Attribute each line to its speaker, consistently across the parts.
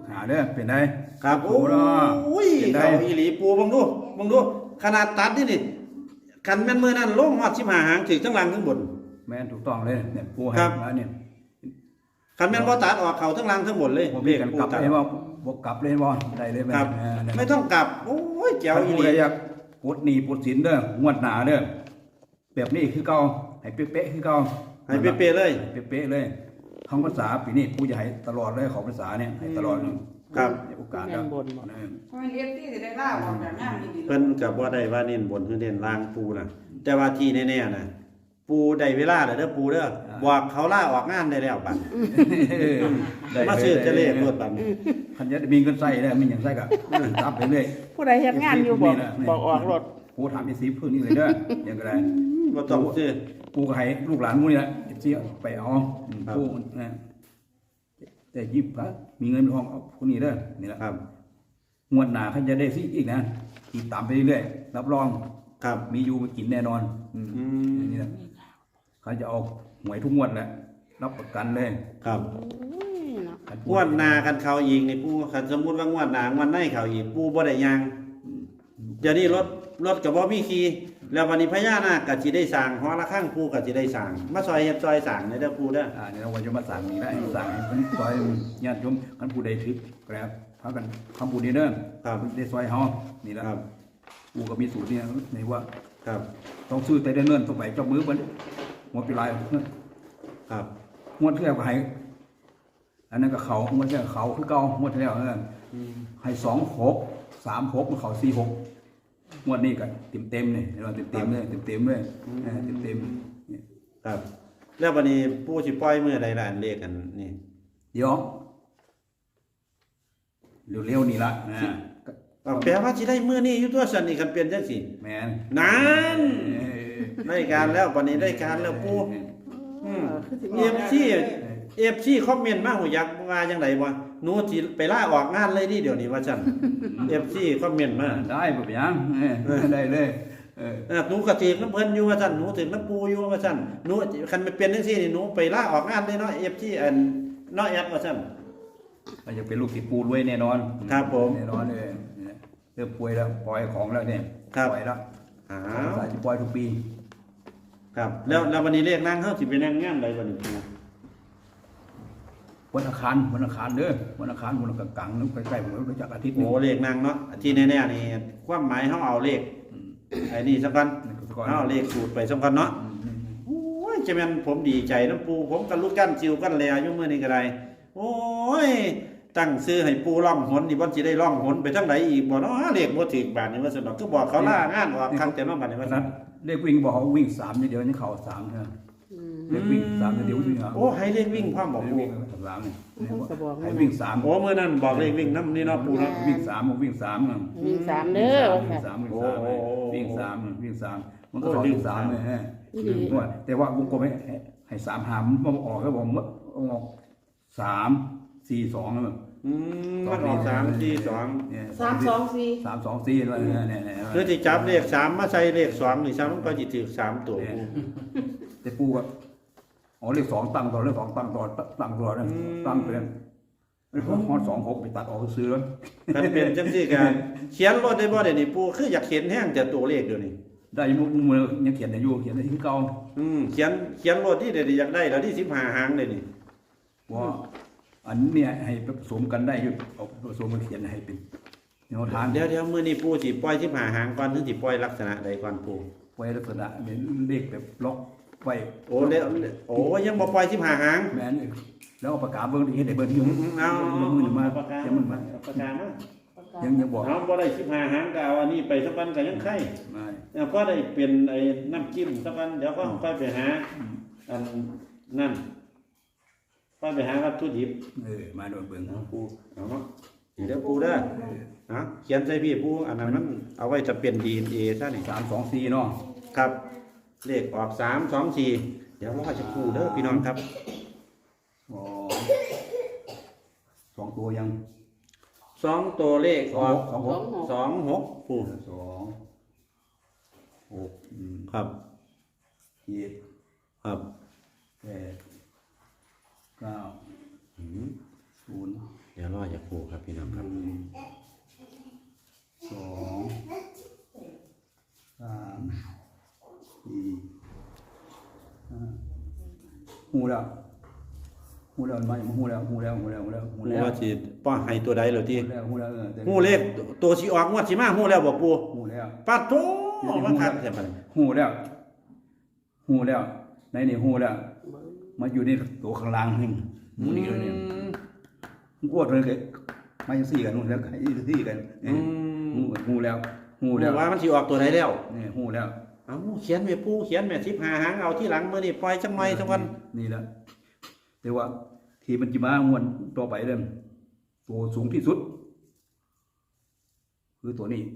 Speaker 1: หาเด้อเป็นไง
Speaker 2: ครับโอ้ยเขาอีหลีปูบังดูขนาดตัดนี่คันแม่นมือนั่นลงฮอด15หางถึงทั้งล่างทั้งบน
Speaker 1: แม่นถูกต้องเลยเนี่ยปูให้มาเนี่ย
Speaker 2: คันแม่นบ่ตัดออกเขาทั้งล่างทั้งบนเลย
Speaker 1: ผมเรียกกันกลับเลยว่าบ่กลับเลยบ่ได้เลย
Speaker 2: ครับไม่ต้องกลับโอ้ยแจ๋วอีหลี
Speaker 1: อยากปลดหนี้ปลดสินเด้องวดหน้าเด้อแบบนี้คือเก่าให้เป๊ะๆคือเก่า
Speaker 2: ให้เป๊ะๆเลย
Speaker 1: เป๊ะๆเลยคำภาษาปีนี้ปูจะให้ตลอดเลยของภาษาเนี่ยให้ตลอด
Speaker 2: ครับ
Speaker 1: โอกาสแล้ว
Speaker 3: เพราะเรียนที่ได้ล่าออกจากงานดี
Speaker 2: เพิ่นก็บ่ได้ว่าเน้นบนคือเน้นล่างปูน่ะแต่ว่าที่แน่ๆน่ะปูได้เวลาแล้วเด้อปูเด้อบอกเขาล่าออกงานได้แล้วบัดมาซื้อจะเลขรถบัด
Speaker 1: คันจะมีเงินใช้ได้มีหยังใช้ก็รับไปเลย
Speaker 3: ผู้ใดเฮ็ดงานอยู่บอกออกรถ
Speaker 1: ปูถามอี10พื้นนี่เลยเด้ออย่างไร
Speaker 2: บ่ต้องซื้อ
Speaker 1: ปูก็ให้ลูกหลานมื้อนี่แหละสิไปเอาปูนะแต่ยิบก็มีเงินทองเอาคนนี้เด้อนี่แหละ
Speaker 2: ครับ
Speaker 1: งวดหน้าเขาจะได้ซิอีกนะติดตามไปเรื่อยๆรับรอง
Speaker 2: ครับ
Speaker 1: มีอยู่กินแน่นอนนี่แหละเขาจะเอาหวยทุกงวดแหละรับประกันเลย
Speaker 2: ครับงวดหน้ากันเขาอีกนี่ปูคันสมมุติว่างวดหน้างวดในเขาอีกปูบ่ได้ยางเดี๋ยวนี้รถก็บ่มีขี่แล้ววันนี้พญานาคก็สิได้สร้างหอระฆังปูก็สิได้สร้างมาซอยเฮ็ดซอยสร้างในเด้อปูเด้อ
Speaker 1: นี่เราจะมาสร้างนี่ได้สร้างให้เพิ่นซอยญาติโยมคันผู้ใดถึกแกร็บพากันคำพูดนี้เด้อ
Speaker 2: ครับ
Speaker 1: ได้ซอยเฮานี่ล่ะครับปูก็มีสูตรนี่ในว่า
Speaker 2: ครับ
Speaker 1: ต้องซื้อแต่เนิ่นๆต้องไปเจ้ามือเพิ่นหมดไปหลาย
Speaker 2: ครับ
Speaker 1: งวดที่แล้วก็ให้อันนั้นก็เขางวดที่แล้วเขาคือเก่างวดที่แล้วให้26 36มันเขา46งวดนี้ก็เต็มๆนี่เราเต็มๆเลยเต็มๆเลยเต็มๆนี่
Speaker 2: ครับแล้ววันนี้ปู่สิปล่อยมื้อใดล่ะเลขกันนี่
Speaker 1: เดี๋ยวเร็วๆนี่ล่ะ
Speaker 2: แปลว่าสิได้มื้อนี้อยู่ตัวซั่นนี่คันเปลี่ยนจังซี่
Speaker 1: แม่น
Speaker 2: นั่นได้การแล้ววันนี้ได้การแล้วปู่FC คอมเมนต์มาหูยักว่าจังได๋บ่หนูสิไปลาออกงานเลยดิเดี๋ยวนี้ว่าซั่น FC คอมเมนต์มา
Speaker 1: ได้บ่เป็นหยังได้เลย
Speaker 2: หนูก็ถึกน้ำเพิ่นอยู่ว่าซั่นหนูถึกน้ำปูอยู่ว่าซั่นหนูคันมันเป็นจังซี่นี่หนูไปลาออกงานเลยเนาะ FC อันเนาะแอดว่าซั่น
Speaker 1: ก็จะเป็นลูกศิษย์ปูรวยแน่นอน
Speaker 2: ครับผม
Speaker 1: แน่นอนเลยเริ่มป่วยแล้วปล่อยของแล้วเนี่ยปล่อยแล้วสายจะปล่อยทุกปี
Speaker 2: ครับแล้ววันนี้เลขนั่งเฮาสิไปนั่งงานใดวันนี้ปู
Speaker 1: วันอังคารเด้อวันอังคารวันกลางๆนึกใกล้ๆผมรู้จักอาทิตย์
Speaker 2: โอ้เลขนั่งเนาะที่แน่ๆนี่ความหมายเฮาเอาเลขไอ้นี่สำคัญเฮาเอาเลขสูตรไปสำคัญเนาะโอ้ยจะแม่นผมดีใจนำปูผมก็ลุกกันจิวกันแลอยู่มื้อนี้ก็ได้โอ้ยตั้งชื่อให้ปูร่องหนนี่บ่สิได้ร่องหนไปทางไหนอีกบ่เนาะเลขบ่ถูกบาดนี่ว่าซั่นดอกคือบอกเขาลางานออกคักแต่เนาะบัดนี้ว่าซั่น
Speaker 1: เลขวิ่งบอกเขาวิ่ง3เดียวนี่เข้า3เด้อเลขวิ่ง3เดียวนี่
Speaker 2: โอ้ให้เลขวิ่งพร้อมบอกปู
Speaker 1: 3นี่ให้วิ่ง3
Speaker 2: โอ้มื้อนั้นบอกเลขวิ่งนำนี่เนาะปูเนาะ
Speaker 1: วิ่ง3วิ่ง3
Speaker 3: วิ่ง3เด้อ
Speaker 1: วิ่ง3วิ่ง3มันก็เข้า3เลยฮะแต่ว่าวงกลมให้3หามมันออกแล้วผมออก3-4-2แล้ว
Speaker 2: มันออก3-4-2
Speaker 3: เนี่ย3-2-4
Speaker 1: 3-2-4แล้วเนี่ย
Speaker 2: คือสิจับเลข3มาใส่เลข2นี่3มันก็สิถูก3ตัว
Speaker 1: แต่ปูก็เลข2ตั้งต่อเลข2ตั้งต่อนะตั้งไปแล้วฮอด26ไปตัดออกซื้อแล้ว
Speaker 2: คันเป็นจังซี่กันเขียนรถได้บ่เดี๋ยวนี้ปูคืออยากเขียนแห้งจะตัวเลขเดี๋ยวนี้
Speaker 1: ได้มือยังเขียนได้อยู่เขียนได้ที่เก่า
Speaker 2: เขียนรถที่เดี๋ยวอยากได้แล้วที่15หางเลยนี่
Speaker 1: ว่าอันนี้ให้ผสมกันได้อยู่เอาผสมมาเขียนให้เป็นแนวทาง
Speaker 2: เดี๋ยวมื้อนี้ปูสิปล่อย15หางก่อนถึงสิปล่อยลักษณะใดก่อนปู
Speaker 1: ปล่อยลักษณะเป็นเลขแบบล็อกไว้
Speaker 2: โอ้ยังบ่ปล่อย15หาง
Speaker 1: แม่นแล้วเอาปากกาเบิ่งเฮ็ดให้เบิ่งอยู่
Speaker 2: เอา
Speaker 1: มือมายังมันมา
Speaker 2: ปากกามา
Speaker 1: ยังบอก
Speaker 2: เฮาบ่ได้15หางก็เอาอันนี้ไปสักวันก็ยังไข่แล้วก็ได้เป็นไอ้น้ำจิ้มสักวันเดี๋ยวก็ค่อยไปหาอันนั่นค่อยไปหาวัตถุดิบ
Speaker 1: มาโดนเบิ่ง
Speaker 2: ปูเอาเนาะเดี๋ยวปูเด้อนะเขียนใส่พี่ปูอันนั้นมันเอาไว้จะเป็น DNA ซะนี่
Speaker 1: 3-2-4เนาะ
Speaker 2: ครับเลขออก3-2-4เดี๋ยวรอจะปูเด้อพี่น้องครับ
Speaker 1: 2ตัวยัง
Speaker 2: 2ตัวเลขออก26ปู6ครับ
Speaker 1: 7ครับ8 9 0
Speaker 2: เดี๋ดี๋ยวรอจากปูครับพี่น้องครับ
Speaker 1: 2 3 4 5หูแล้วมาอย่างหูแล้ว
Speaker 2: ปูว่าสิป้อให้ตัวใดเหรอที่
Speaker 1: หูแล้ว
Speaker 2: หูเลขตัวสิออกงวดสิมาหูแล้วบ่ปู
Speaker 1: หูแล้ว
Speaker 2: ปัดโตว่าคักแท้บัดนี้
Speaker 1: หูแล้วในนี่หูแล้วมาอยู่ในตัวข้างล่างนี่หูนี่เลยเนี่ยมันกวดเลยก็มาจังซี่กันนู่นแล้วก็ซี่กันหูแล้ว
Speaker 2: หูว่ามันสิออกตัวใดแล้ว
Speaker 1: นี่หูแล้ว
Speaker 2: เอ้าเขียนแม่ปูเขียนแม่15หางเอาที่หลังมื้อนี้ปล่อยจังหน่อยจังวัน
Speaker 1: นี่แหละแต่ว่าที่มันจะมางวดต่อไปเด้อตัวสูงที่สุด คือตัวนี้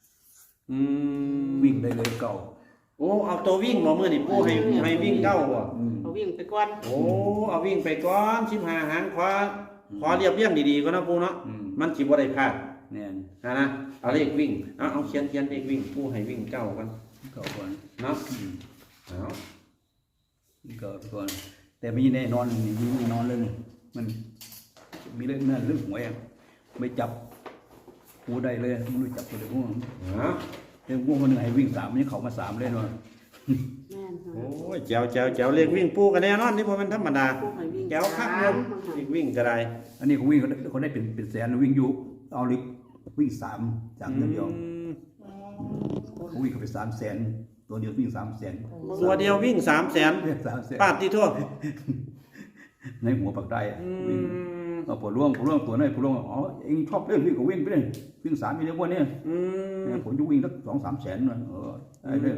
Speaker 1: วิ่งได้เลยเก่า
Speaker 2: โอ้เอาตัววิ่งบ่มื้อนี้ปูให้วิ่งเก้าบ่
Speaker 3: เอาวิ่งไปก่อน
Speaker 2: โอ้เอาวิ่งไปก่อน15หางขอเรียบเรียงดีๆก็นะปูเนาะมันสิบ่ได้พลาด
Speaker 1: แน่น
Speaker 2: นะเอาเลขวิ่งเอาเขียนเลขวิ่งปูให้วิ่งเก้ากัน
Speaker 1: เก่าก่อน
Speaker 2: เนาะเอา
Speaker 1: เก่าก่อนแต่ไม่แน่นอนนี่มีแน่นอนเลยมันมีเรื่องนั่นเรื่องหวยไม่จับกูได้เลยไม่รู้จับเลยพวก
Speaker 2: เอา
Speaker 1: แต่พวกคนหนึ่งให้วิ่ง3มันเขามา3เลยเนาะ
Speaker 3: แม่น
Speaker 2: โอ้ยแจ๋วเลขวิ่งปูกันแน่นอนนี่บ่แม่นธรรมดา
Speaker 3: ผู้ให้วิ่ง
Speaker 2: แจ๋วคักเลยเลขวิ่งก็ได้
Speaker 1: อันนี้เขาวิ่งเขาได้เป็นแสนวิ่งอยู่เอาลิกวิ่ง3จากเงินเดียวเขาวิ่งเขาไป300,000ตัวเดียววิ่ง300,000
Speaker 2: ตัวเดียววิ่ง300,000
Speaker 1: 300,000
Speaker 2: ปาดที่ทั่ว
Speaker 1: ในหัวปากได้วิ่งเอาผลร่วงตัวนั้นผลร่วงอ๋อเองชอบเล่นวิ่งก็วิ่งไปเลยวิ่ง3มีเรื่องว่าเนี่ยผมจะวิ่งสัก2-3 แสนเลยได้เลย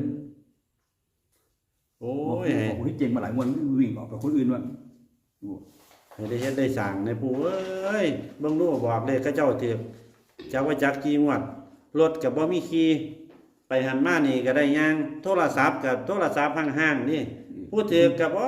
Speaker 2: โอ้
Speaker 1: โอ้
Speaker 2: ย
Speaker 1: ยผมเจ๋งมาหลายวันวิ่งออกกับคนอื่นว่า
Speaker 2: ให้ได้เฮ็ดได้สั่งในปูเอ้ยเบิ่งดูบอกเลยเขาเจ้าถือจักว่าจักกี่งวดรถก็บ่มีขี่ไปหันมานี่ก็ได้ย่างโทรศัพท์กับโทรศัพท์ห่างๆนี่ผู้ถือก็บ่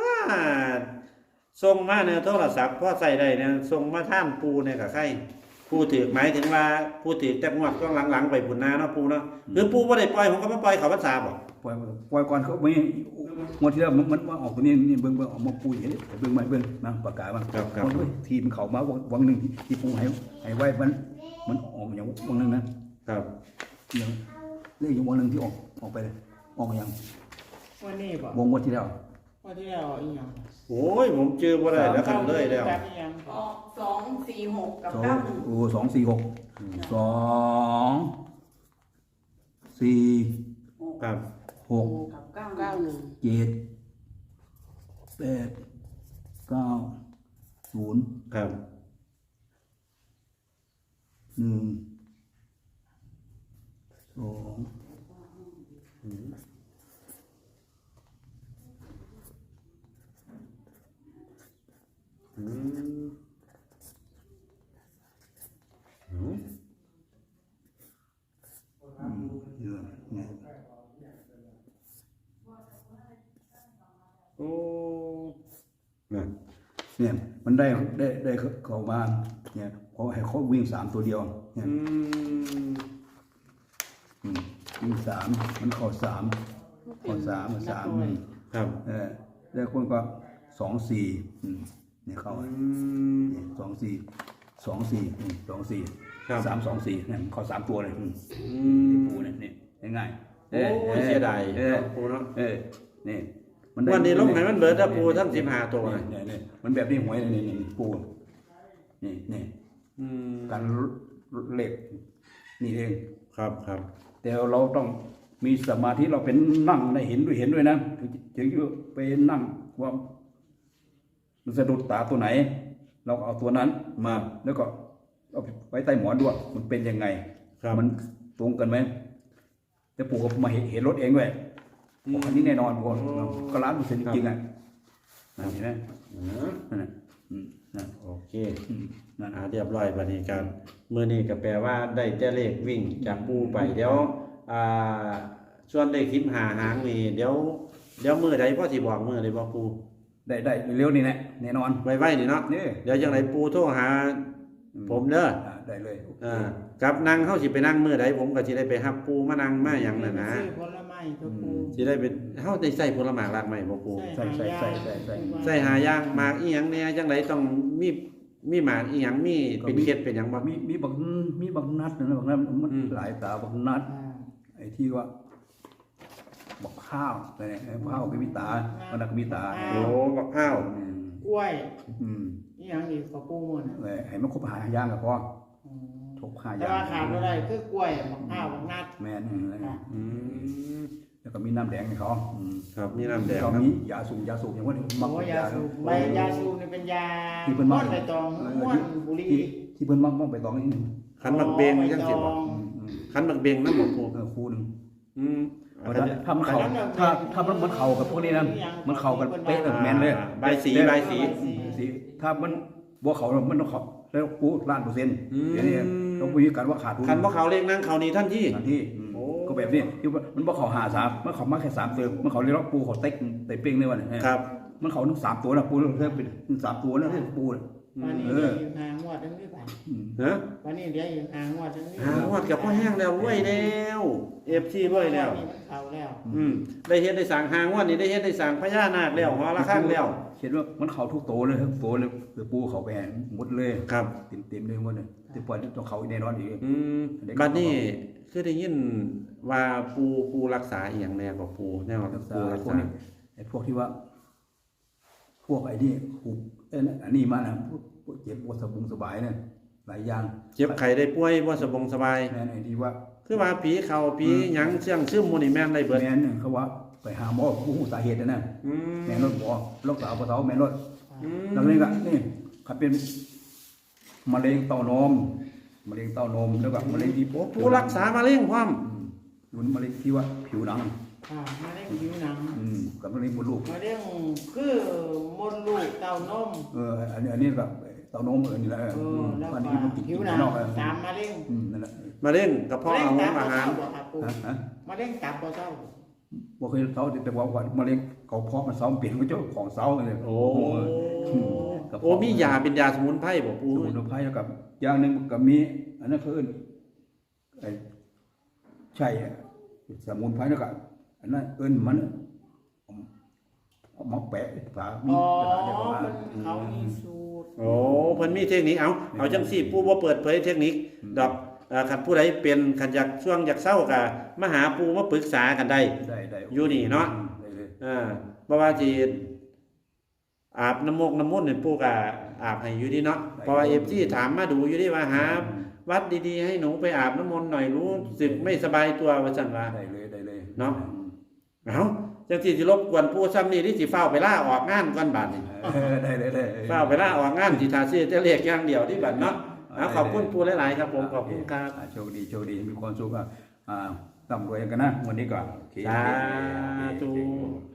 Speaker 2: ส่งมาเนี่ยโทรศัพท์พอใส่ได้เนี่ยส่งมาท่านปูเนี่ยก็ใครผู้ถือหมายถึงว่าผู้ถือแต่งวดก็หลังๆไปพุ่นนาเนาะปูเนาะคือปูบ่ได้ปล่อยผมก็บ่ปล่อยเขาพรรษาบ่
Speaker 1: ปล่อยก่อนเขาไม่งวดที่แล้วมันว่าออกตัวนี้นี่เบิ่งออกมาปูอย่างนี้เบิ่งมาเบิ่งนะประกาศมาทีมเขามาวังหนึ่งที่ปูให้ไว้มันออกอย่างวังหนึ่งนะครับอย่างเลขอย่างวังหนึ่งที่ออกไปเลยออกอย่าง
Speaker 3: วันนี้บ่
Speaker 1: วงที่แล้ว
Speaker 3: วันที่แล้วอีหยัง
Speaker 2: โอ้ยผมเจอบ่ได้แล้วครับเลยแล้ว
Speaker 3: แบบอีหยัง
Speaker 4: ออก246 กับ 91
Speaker 1: โอ้246 2 4
Speaker 2: ครับ
Speaker 1: 6
Speaker 4: กับ
Speaker 3: 91
Speaker 1: 7 8 9 0
Speaker 2: ครับ
Speaker 1: 1 2 เยอะเนี่ย
Speaker 2: โอ้นั่น
Speaker 1: เนี่ยมันได้เข้ามาเนี่ยเพราะให้เขาวิ่ง3ตัวเดียวเนี่ยวิ่ง3มันเข้า3เข้า3มา3นี่
Speaker 2: ครับ
Speaker 1: แล้วคนก็2-4เนี่ยเข้าเนี่ย2-4 3-2-4เนี่ยเข้า3ตัวเลยที่ปูเนี่ยง่ายๆ
Speaker 2: โอ้ยเสียดายปูเนาะ
Speaker 1: นี่
Speaker 2: วันนี้ลงให้มันเบิดถ้าปูทั้ง15ตัวเลย
Speaker 1: เนี่ยมันแบบนี้หวยนี่ปูนี่การเหล็กนี่เอง
Speaker 2: ครับ
Speaker 1: แต่เราต้องมีสมาธิเราเป็นนั่งได้เห็นด้วยนะถึงจะไปนั่งว่ามันสะดุดตาตัวไหน เราเอาตัวนั้นมาแล้วก็เอาไว้ใต้หมอนด้วยมันเป็นยังไงมันตรงกันไหมแต่ปู่ก็มาเห็นรถเองด้วยอันนี้แน่นอนปู่ก็100%จริงอ่ะเห็นไหมนั่น
Speaker 2: โอเคเรียบร้อยบัดนี้กันมื้อนี้ก็แปลว่าได้แต่เลขวิ่งจากปูไปเดี๋ยวส่วนเลข15หางนี่เดี๋ยวมื้อใดพอสิบอกมื้อใดบ่ปู
Speaker 1: ได้เร็วนี่แหละแน่นอน
Speaker 2: ไว้นี่เนาะเดี๋ยวจังไดปูโทรหาผมเด้อ
Speaker 1: ได้เลย
Speaker 2: กับนั่งเฮาสิไปนั่งมื้อใดผมก็สิได้ไปรับปูมานั่งมาหยังนั่นนะ
Speaker 3: ซื้อผลไม้ตัวปู
Speaker 2: สิได้เป็นเฮาได้ใส่ผลไม้รากไม้บ่ปู
Speaker 1: ใส่
Speaker 2: ใส่หาอย่างหมากอีหยังแหน่จังไดต้องมีมีหมากอีหยังมีเป็นเคล็ดเป็นหยังบ่
Speaker 1: มีบางนัดนะบางนัดมัน
Speaker 2: อืม
Speaker 1: หลายตาบางนัด
Speaker 3: อ่า
Speaker 1: ไอ้ที่ว่าบอกข้าวอะไรเนี่ยข้าวก็มีตามันก็มีตา
Speaker 2: โอ้บักข้าว
Speaker 3: กล้วย
Speaker 1: อืม
Speaker 3: อีหยังอีกกับปูมัน
Speaker 1: เลยให้มันครบหาอย่างก็พอ
Speaker 3: อืม
Speaker 1: ทบหาอ
Speaker 3: แต่
Speaker 1: ย่าง
Speaker 3: ว่าขาดบ่ได้คือกล้วยมะพร้าวมะนัด
Speaker 1: แม่น
Speaker 3: ค่ะ
Speaker 2: อืม
Speaker 1: แล้วก็มีน้ำแดงให้เขา
Speaker 2: ครับมีน้ำแดง
Speaker 1: เขา
Speaker 2: นะ
Speaker 1: มียาสูบอย่างว่า
Speaker 3: โอ้ยาสูบใบยาสูบนี่เป็นยา
Speaker 1: ที่เพิ่น
Speaker 3: ม่
Speaker 1: มา
Speaker 3: วนใบตองม่วนบุหรี่
Speaker 1: ที่เพิ่นมักไปตองนี่
Speaker 2: ขันบักเบงจังซี่บ่ขันบักเบงนำบ่ปู
Speaker 1: คู่นึง
Speaker 2: อืม
Speaker 1: ถ้ามันเข้าถ้ามันเข้ากับพวกนี้นะมันเข้ากันเป๊ะแม่นเลย
Speaker 2: ใบสีใบสี
Speaker 1: สีถ้ามันบ่เข้ามันต้องเข้าแล้วกูล้านเปอร์เซ็นต์
Speaker 2: อืม
Speaker 1: เดี๋ยวนี้ต้องคุยกันว่าขาดทุน
Speaker 2: ขันบ่เขาเลขนั่งเขานี่ทันที
Speaker 1: ทันที
Speaker 2: โอ้
Speaker 1: ก็แบบนี้ที่ว่ามันบ่เข้า53มันเข้ามาแค่3เติมมันเข้าเลยล็อกปูเขาเต็กเตะเป้งเลยว่าเนี่ย
Speaker 2: ครับ
Speaker 1: มันเข้าทั้ง3ตัวนะปูเริ่มเป็น3ตัวนะปูน่ะ
Speaker 3: วันนี้เดี๋ยวอยู่หางวดทั้งนี้ไป
Speaker 2: ฮะ
Speaker 3: วันนี้เดี๋ยวอยู่หางวดทั้งนี้
Speaker 2: หางวดกับพ่อแห้งแล้วรวยแล้วเอฟซีรวยแล้ว
Speaker 3: นี่มันเข้าแล้ว
Speaker 2: ได้เฮ็ดได้สั่งหางวดนี่ได้เฮ็ดได้สั่งพญานาคแล้วหอละข้างแล้ว
Speaker 1: เห็นว่ามันเข้าทุกตัวเลยทุกตัวเลยคือปูเข้าไปหมดเลย
Speaker 2: ครับ
Speaker 1: เต็มเลยหมดเลยที่ปล่อยต้องเข้าแน่นอนอีก
Speaker 2: บัดนี้คือได้ยินว่าปูรักษาอีหยังแน่กว่าปูแน่ว่า
Speaker 1: รักษา
Speaker 2: ปูรัก
Speaker 1: พวก
Speaker 2: ษา
Speaker 1: นี้ไอ้พวกที่ว่า พวกไอ้นี่ผูกอันนี้มานะพวกเจ็บปวดสบายเนี่ยหลายอย่าง
Speaker 2: เจ็บไข้ได้ป่วยบ่สบงสบาย
Speaker 1: แม่นไอ้ที่ว่า
Speaker 2: คือว่าผีเข้าผีหยังเชื่องซึมหมู่นี่แม่นได้เบิด
Speaker 1: แม่นเขาว่าไปหาหมอผู้สาเหตุนะ
Speaker 2: อืม
Speaker 1: แม่นรถหมอรักษาปะเทาแม่นรถ
Speaker 2: อืม
Speaker 1: แล้วนี่ก็นี่เขาเป็นมะเร็งเต้านมมะเร็งเต้านมแล้วก็มะเร็งที่
Speaker 2: ผู้รักษามะเร็งพร้อม
Speaker 1: รุนมะเร็งที่ว่าผิวหนัง
Speaker 3: ค่ะมาเล่นผิวหนัง
Speaker 1: กับมะเร็งมดลูก
Speaker 3: มาเล่นคือมดลูกเต้านม
Speaker 1: อันนี้แบบเต้านมนี่แหละ
Speaker 3: แล้ว
Speaker 1: อัน
Speaker 3: ก็
Speaker 1: นี้มันติด
Speaker 3: ผิวหนัง
Speaker 1: นอก
Speaker 3: สามมาเล่น
Speaker 1: นั่นแหละ
Speaker 2: มะเร็งกระเพาะอาหาร
Speaker 3: บ่ครับปู่
Speaker 1: ฮะ
Speaker 3: มาเล่นตับบ่เจ้า
Speaker 1: บ่เคยเซาแต่ว่ามะเร็งเขาเพาะมันเซาเปลี่ยนเป็นเจ้าของเซาเลย
Speaker 2: โอ้โอ้มียาเป็นยาสมุนไพรบ่ปู
Speaker 1: สมุนไพรกับอย่างหนึ่งก็มีอันนั้นคือไอ้ใช่สมุนไพรแล้วก็อันนั้นเอิ้นมันเอามาแปะฝามี
Speaker 3: อ๋อก
Speaker 1: ระดาษเดียวมา
Speaker 3: มันเขามีสูตร
Speaker 2: โอ้เพิ่นมีเทคนิคเอาจังซี่ปูบ่เปิดเผยเทคนิคดอกคันผู้ใดเป็นคันอยากช่วงอยากเศร้าก็มาหาปูมาปรึกษากันได้
Speaker 1: ได้
Speaker 2: อยู่นี่เนาะ
Speaker 1: ได้เลย
Speaker 2: บ่ว่าสิอาบน้ำมกน้ำมนต์นี่ปูก็อาบให้อยู่ดีเนาะเพราะว่า FG ถามมาดูอยู่ดีว่าหาวัดดีๆให้หนูไปอาบน้ำมนต์หน่อยรู้สึกไม่สบายตัวว่าซั่นว่า
Speaker 1: ได้เลย
Speaker 2: เนาะ เอาจังสิรบกวนผู้ซ้ำนี่ที่สิเฝ้าไปล่าออกงานก่อนบัดนี้
Speaker 1: ได้เลย
Speaker 2: เฝ้าไปล่าออกงานสิทาซื้อแต่เลขอย่างเดียวที่บัดเนาะเอาขอบคุณปูหลายๆครับผมขอบคุณครับ
Speaker 1: โชคดีมีความสุขร่ำรวยกันนะวันนี้ก่อน
Speaker 2: สาธุ